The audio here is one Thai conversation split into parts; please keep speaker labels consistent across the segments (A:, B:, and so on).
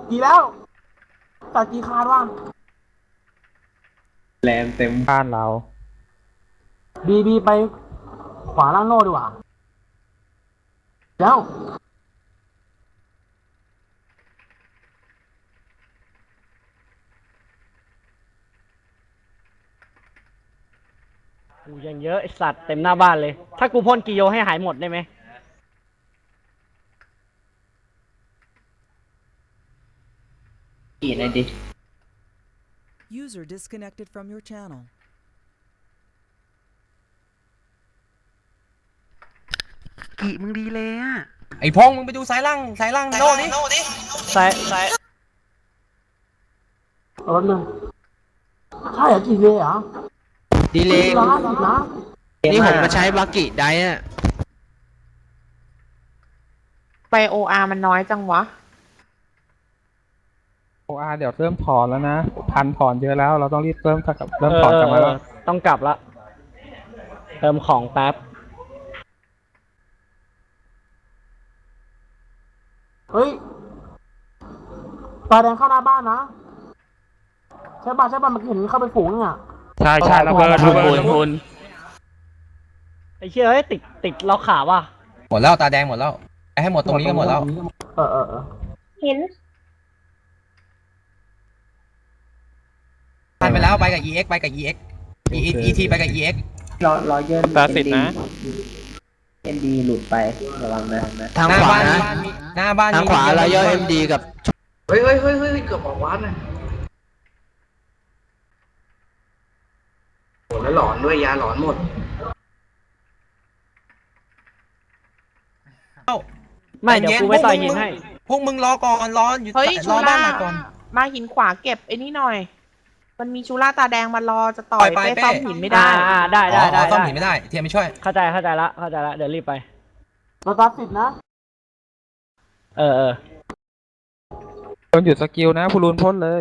A: กี่แล้วตัดกี่คาดว่ะ
B: แลนเต็ม
C: บ้านเรา
A: บีไปขวาล่างโน่ดีกว่าแล้ว
D: กูยังเยอะไอสัตว์เต็มหน้าบ้านเลยถ้ากูพ่นกิโยให้หายหมดได้ไหม
B: กี่เลยดิ
E: User disconnected from your channel.
F: กี่มึงดีเลยอ่ะ
G: ไอ้พงมึงไปดูสายล่างโน่ดิ
D: ใส่
A: แป๊บนึงใช่เหรอกี่เลยเหรอ
F: ดีเลย
A: 50นะ
F: นี่ผมมาใช้บากิไดอ่ะ
H: ไปโออาร์มันน้อยจังวะ
C: OR เดี๋ยวเริ่มถอนแล้วนะพันถอนเยอะแล้วเราต้องรีบเริ่มถอนกลับมาแล้ว
D: ต้องกลับละเติมของแป๊บ
A: เฮ้ยตาแดงเข้าหน้าบ้านนะใช่ป่ะเมื่อกี้เห็นเข้าไปฝูงนึงอ่ะ
C: ใช่ระเบิด
F: คุณ
D: ไอ้เชี่ยเฮ้ยติดเราขาว่ะ
G: หมดแล้วตาแดงหมดแล้วไอ้ให้หมดตรงนี้ก็หมดแล้ว
H: เห็น
G: ผ่านไปแล้วไปกับ EX ไปกับ EX ET ไปกับ EX
B: รอเยิน
C: ตาสิทธ์นะ
B: เอ็นดีหลุดไประวังนะ
F: ทาง
G: หน้า
F: ขวา
G: บ้าน
F: นะ
G: หน้าบ้าน
F: ทางขวาเราย่อ MD กับ
B: เฮ้ยเกือบออกวัดนะโหแล้วหลอนด้วยยาหลอนหมด
D: ไม่เดี๋ยวกูไปต่อยหินให้
G: พวกมึงรอก่อนรออยู่
H: เฮ้ย
G: ร
H: ชู
G: อบ้า
H: ล่าน
G: หน่อยก่อน
H: มาหินขวาเก็บไอ้นี่หน่อย มันมีชูล่าตาแดงมารอจะต่อย
G: ไป
H: ไปซ่อมหินไม่ได้
D: ได้
G: อ๋อซ่อมหินไม่ได้เทียมไม่ช่วย
D: เข้าใจละเดี๋ยวรีบไป
A: เราตาสิทธ์นะ
D: เออ
C: โดนหยุดสกิลนะพูรูนพ่นเลย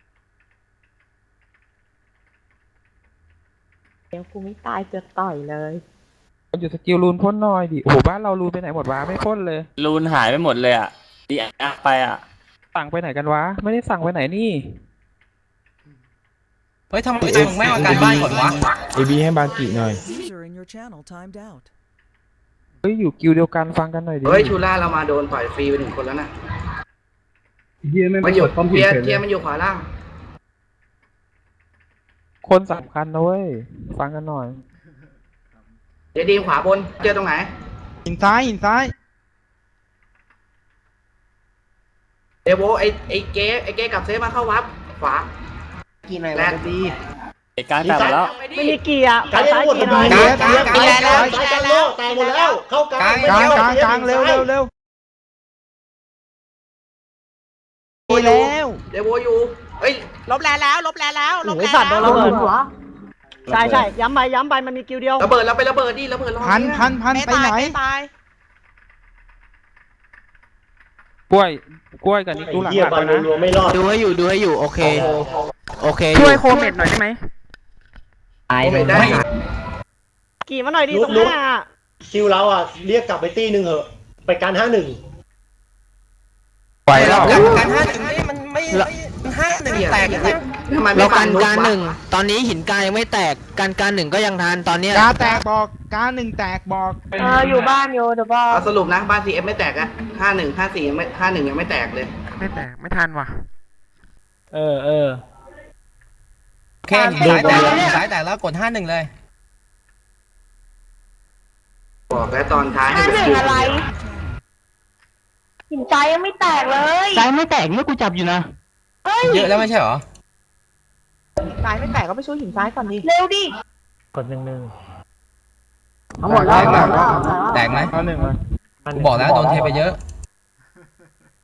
H: เดี๋ยวกูไม่ตายจะต่อยเลย
C: โดนหยุดสกิลรูนพ่นหน่อยดิโอ้โหบ้านเรารูนไปไหนหมดวะไม่พ่นเลย
I: รูนหายไปหมดเลยอ่ะดีอ่ะไปอ่ะ
C: สั่งไปไหนกันวะไม่ได้สั่งไปไหนนี่
G: เฮ้ยทำไมมึงไม่เอาการบ้านก่อนวะ
E: User in your channel timed out.
C: เฮ้ยอยู่กิลเดียวกันฟังกันหน่อยดิ
B: เฮ้ยชูล่าเรามาโดนต่อยฟรีไป1 คนแล้วนะมันอยู่เทียมันอยู่ขวาล่าง
C: คนสำคัญนะเว้ยฟังกันหน่อย
B: เดี๋ยวดีขวาบนเจอตรงไหน
F: หินซ้าย
B: เดโวไอ้เก๊กับเซฟมาเข้าวับขวา
F: กี่ไหน
B: แล
F: วะ
B: น
F: ดี
I: เหตุการณ์แตกหมดแล้ว
D: ไม่มีเกียร์ขาซ้ายเกียร์หน่อย
G: กลาง
H: แลนแล้วแลนแล้ว
A: ตายหมดแล้วเข้ากลาง
C: กลางเร็ว
F: ดีแล้ว
B: เดโวอยู่เฮ้ย
H: ลบแลนแล้วลบแลนแล้วลบ
D: โอ้
H: แล
D: ย
H: น
D: สัตว์โดน
H: แล้
D: ระ
H: ว
D: เบิด
A: หัว
D: ใช่ย้ำไปมันมีกิวเดียว
B: ระเบิดแล้วไประเบิดดิระเบิดรอ
F: พัน
H: ไม่
F: ไป
H: ตาย
F: ไหน
H: ไม่ตาย
C: กล้วยกับนิกดูหลังๆนะ
F: ดูให้อยู่โอเค
C: ช่วยโคเมดหน่อยได้ไหม
B: ตายเลยได้
D: กี่มาหน่อยดีตรงหน้า
A: คิวเราอ่ะเรียกกลับไปตีหนึ่งเหอะไปการ51
C: ไหวแล้ว
G: การ51นี่มันไม่51แตก
B: ทำไมไม่
F: เรา
B: ฟั
F: กัน
B: นุ๊
F: การ
B: วะ
F: หนึ่งตอนนี้หินกายยังไม่แตกการหนึ่งก็ยังทันตอนเนี้ย
H: อยู่บ้านอยู่เดี๋ยวบอก
B: เอาสรุปนะบ้าน CF ไม่แตกอะ51 54ยังไม่51ยังไม่แตกเลย
C: ไม่แตกไม่ทันว่ะ
D: เออ
G: โอเคสายแตกแล้วกด51เลย
B: บอกแล้วตอนท้ายให้
H: เรื่องอะไรหินใจยังไม่แตกเลย
F: ใจไม่แตกเมื่อกูจับอยู่นะ
G: เยอะแล้วไม่ใช่เหรอ
H: ใจไม่แตกก็ไปช่วยหินซ้ายก่อนดิเร็วดิ
D: กด1
A: ทั้งหมดแล้ว
G: แตกไหม
C: เอาหนึ่งมา
G: กูบอกแล้วโดนเทไปเยอะ